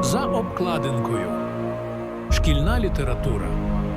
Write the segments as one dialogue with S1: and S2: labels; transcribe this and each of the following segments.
S1: За обкладинкою. Шкільна література.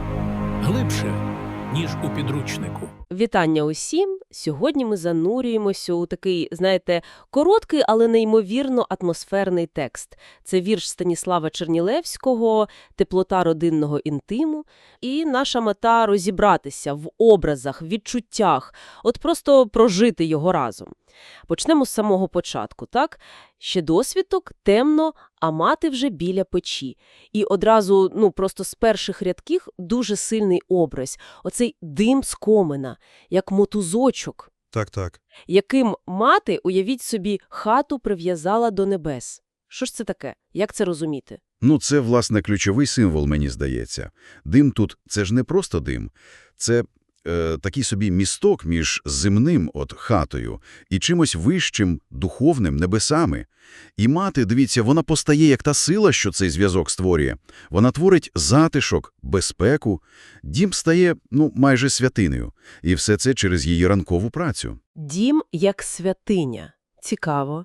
S1: Глибше, ніж у підручнику.
S2: Вітання усім! Сьогодні ми занурюємося у такий, знаєте, короткий, але неймовірно атмосферний текст. Це вірш Станіслава Чернілевського «Теплота родинного інтиму». І наша мета – розібратися в образах, відчуттях, от просто прожити його разом. Почнемо з самого початку, так? Ще досвідок, темно, а мати вже біля печі. І одразу, просто з перших рядків дуже сильний образ. Оцей дим з комина, як мотузочок,
S3: Так.
S2: яким мати, уявіть собі, хату прив'язала до небес. Що ж це таке? Як це розуміти?
S3: Це, власне, ключовий символ, мені здається. Дим тут – це ж не просто дим. Це такий собі місток між земним, хатою, і чимось вищим, духовним, небесами. І мати, дивіться, вона постає як та сила, що цей зв'язок створює. Вона творить затишок, безпеку. Дім стає, майже святинею. І все це через її ранкову працю.
S2: Дім як святиня. Цікаво.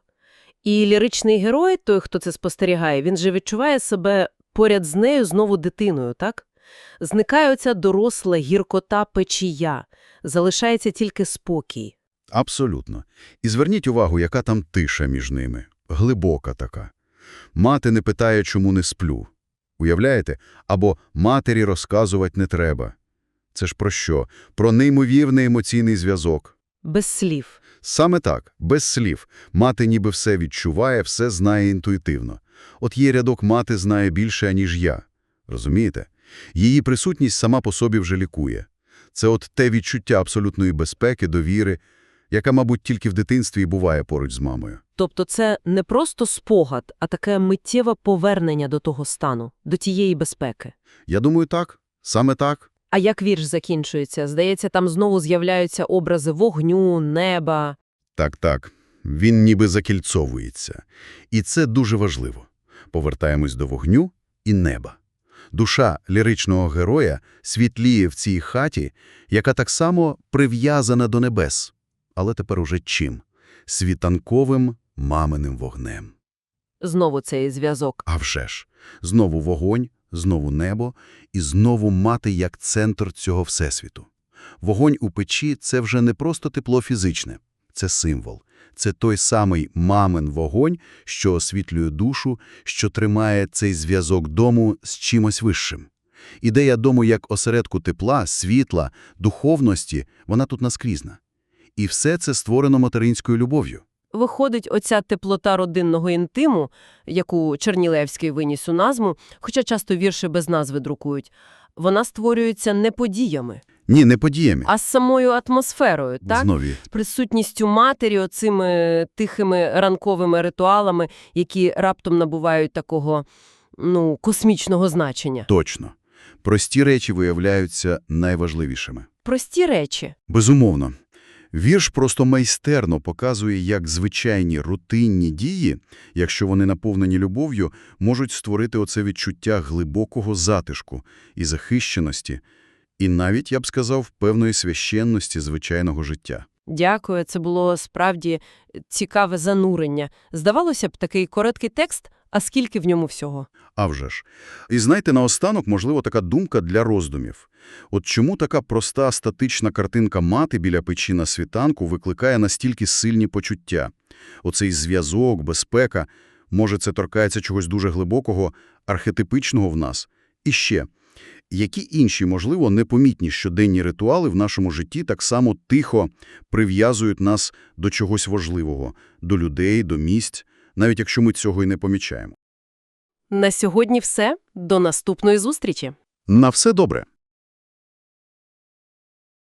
S2: І ліричний герой, той, хто це спостерігає, він же відчуває себе поряд з нею знову дитиною, так? Зникає оця доросла гіркота печія, залишається тільки спокій.
S3: Абсолютно. І зверніть увагу, яка там тиша між ними. Глибока така. Мати не питає, чому не сплю. Уявляєте? Або матері розказувати не треба. Це ж про що? Про неймовірний емоційний зв'язок.
S2: Без слів.
S3: Саме так, без слів. Мати ніби все відчуває, все знає інтуїтивно. От є рядок «мати знає більше, аніж я». Розумієте? Її присутність сама по собі вже лікує. Це от те відчуття абсолютної безпеки, довіри, яка, мабуть, тільки в дитинстві і буває поруч з мамою.
S2: Тобто це не просто спогад, а таке миттєве повернення до того стану, до тієї безпеки.
S3: Я думаю, так. Саме так.
S2: А як вірш закінчується? Здається, там знову з'являються образи вогню, неба.
S3: Так. Він ніби закільцовується. І це дуже важливо. Повертаємось до вогню і неба. Душа ліричного героя світліє в цій хаті, яка так само прив'язана до небес. Але тепер уже чим? Світанковим маминим вогнем.
S2: Знову цей зв'язок.
S3: А вже ж. Знову вогонь, знову небо і знову мати як центр цього всесвіту. Вогонь у печі – це вже не просто тепло фізичне. Це символ. Це той самий мамин вогонь, що освітлює душу, що тримає цей зв'язок дому з чимось вищим. Ідея дому як осередку тепла, світла, духовності – вона тут наскрізна. І все це створено материнською любов'ю.
S2: Виходить, оця теплота родинного інтиму, яку Чернілевський виніс у назву, хоча часто вірші без назви друкують, вона створюється не подіями.
S3: Ні, не подіями.
S2: А з самою атмосферою, так?
S3: Знові.
S2: Присутністю матері, оцими тихими ранковими ритуалами, які раптом набувають такого, космічного значення.
S3: Точно. Прості речі виявляються найважливішими.
S2: Прості речі.
S3: Безумовно. Вірш просто майстерно показує, як звичайні рутинні дії, якщо вони наповнені любов'ю, можуть створити оце відчуття глибокого затишку і захищеності, і навіть, я б сказав, певної священності звичайного життя.
S2: Дякую, це було справді цікаве занурення. Здавалося б, такий короткий текст, а скільки в ньому всього?
S3: А вже ж. І знаєте, наостанок, можливо, така думка для роздумів. От чому така проста статична картинка мати біля печі на світанку викликає настільки сильні почуття? Оцей зв'язок, безпека, може це торкається чогось дуже глибокого, архетипичного в нас? І ще, які інші, можливо, непомітні щоденні ритуали в нашому житті так само тихо прив'язують нас до чогось важливого, до людей, до місць, навіть якщо ми цього і не помічаємо?
S2: На сьогодні все. До наступної зустрічі.
S3: На все добре!